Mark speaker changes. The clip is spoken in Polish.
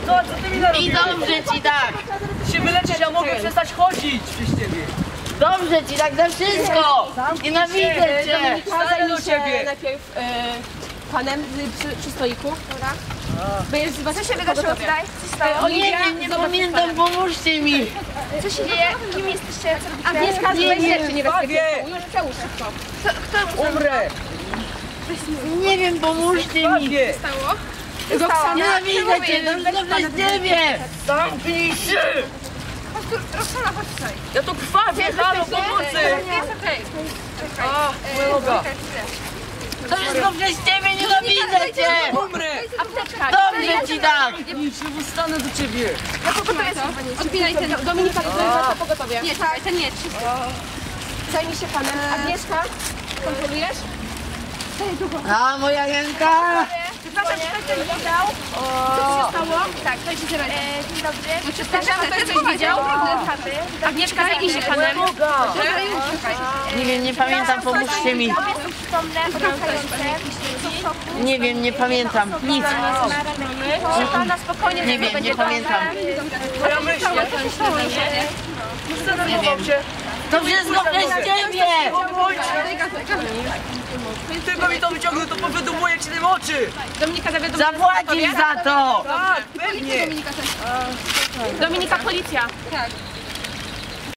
Speaker 1: Co ty mi narobiłeś?
Speaker 2: I dobrze ci tak.
Speaker 1: Się wyleczyć, ja mogę przestać chodzić przez ciebie.
Speaker 2: Dobrze ci tak za wszystko. Nienawidzę cię.
Speaker 1: Wstaję do ciebie.
Speaker 3: Najpierw panem przy stoliku. Dobra.
Speaker 4: Co się wydarzyło tutaj? Co się stało?
Speaker 2: Nie wiem, nie pamiętam, pomóżcie mi.
Speaker 4: Co się dzieje? Kim jesteście? Co robicie?
Speaker 3: Agnieszka,
Speaker 2: Nie
Speaker 3: złe
Speaker 2: wiem.
Speaker 3: rzeczy niebezpieczne.
Speaker 1: Bawię.
Speaker 3: Już przełóż szybko.
Speaker 1: Umrę.
Speaker 2: Nie wiem, pomóżcie mi.
Speaker 1: Bawię.
Speaker 3: Roxana,
Speaker 2: Nienawidzę cię, dobrze przez ciebie.
Speaker 1: Zamknij się.
Speaker 4: Roxana, chodź tutaj.
Speaker 1: Ja tu krwawię, halo, pomocy.
Speaker 4: Jest okej.
Speaker 1: A, moja noga.
Speaker 2: To wszystko przez ciebie, nienawidzę cię.
Speaker 1: Umrę.
Speaker 4: Apteczka.
Speaker 2: Dobrze ci tak.
Speaker 1: Nic, nie wystanę do ciebie.
Speaker 4: Ja pogotowie
Speaker 3: odpinaj ten Dominika, to pogotowie.
Speaker 4: Nie, czekaj, ten nie.
Speaker 3: Zajmij się panem. Agnieszka, kontrolujesz?
Speaker 2: A moja ręka.
Speaker 4: Przepraszam, czy ktoś coś widział? Co się stało? Tak, ktoś się zrobił. Dzień dobry. Przepraszam, ktoś coś widział? Agnieszka, zajmij się panem.
Speaker 2: Nie wiem, nie pamiętam, pomóżcie mi. Nie wiem, nie pamiętam. Nic.
Speaker 4: Proszę pana, spokojnie.
Speaker 2: Nie wiem, nie pamiętam.
Speaker 1: Moja myśl. Zdenerwował się.
Speaker 2: To wszystko przez ciebie.
Speaker 1: Tylko mi to wyciągnął, to powydumuję ci tym oczy.
Speaker 3: Dominika, zawiadomo.
Speaker 2: Zapłacisz za to.
Speaker 1: Tak, pewnie.
Speaker 3: Dominika, policja. Tak.